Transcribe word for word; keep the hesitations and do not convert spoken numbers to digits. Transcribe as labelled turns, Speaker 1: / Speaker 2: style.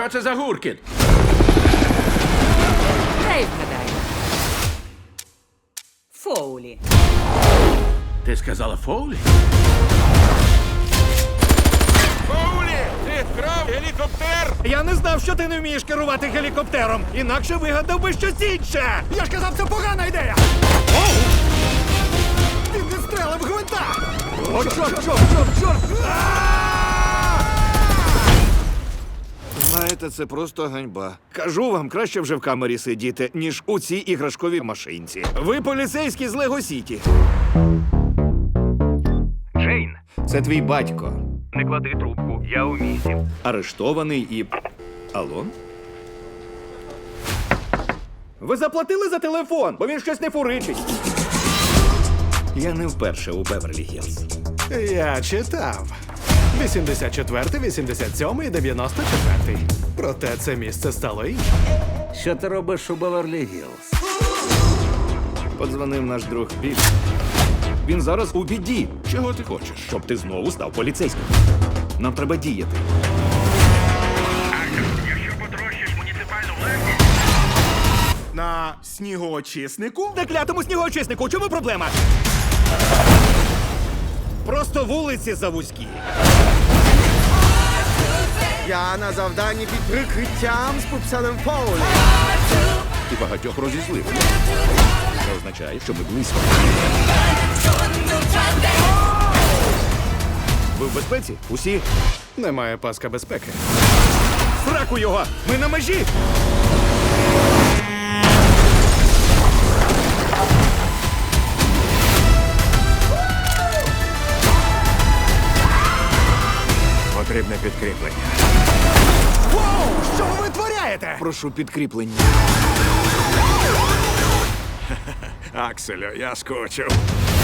Speaker 1: Що це за гуркіт?
Speaker 2: Дай вгадаю. Фоулі.
Speaker 1: Ти сказала Фоулі?
Speaker 3: Фоулі! Ти вкрав гелікоптер!
Speaker 4: Я не знав, що ти не вмієш керувати гелікоптером. Інакше вигадав би щось інше. Я ж казав, це погана ідея. Оу! Він відстрелив гвинта. О, чорт, чорт, чорт, чорт! Знаєте, це просто ганьба. Кажу вам, краще вже в камері сидіти, ніж у цій іграшковій машинці. Ви поліцейські з Лего Сіті.
Speaker 5: Джейн,
Speaker 4: Це твій батько.
Speaker 5: не клади трубку, я у місті.
Speaker 4: Арештований і... Алло? Ви заплатили за телефон, бо він щось не фуричить. Я не вперше у Беверлі-Гілз.
Speaker 6: Я читав. вісімдесят четвертий, вісімдесят сьомий і дев'яносто четвертий. Проте це місце стало іншим.
Speaker 7: Що ти робиш у Беверлі-Гілз?
Speaker 4: Подзвонив наш друг Білл. Він зараз у біді.
Speaker 1: Чого ти хочеш?
Speaker 4: Щоб ти знову став поліцейським. Нам треба діяти.
Speaker 5: Якщо потрощиш муніципальну власність,
Speaker 6: На снігоочиснику?
Speaker 4: На клятому снігоочиснику, у чому проблема? Просто вулиці завузькі.
Speaker 6: Я на завданні під прикриттям з пупсаном Фоулі.
Speaker 4: Ти багатьох розізлив. Це означає, що ми близько. Ви в безпеці? Усі?
Speaker 6: Немає паска безпеки.
Speaker 4: Сраку його! Ми на межі!
Speaker 3: Потрібне підкріплення.
Speaker 4: Воу! Що ви витворяєте? Прошу підкріплення.
Speaker 3: Акселю, я скучив.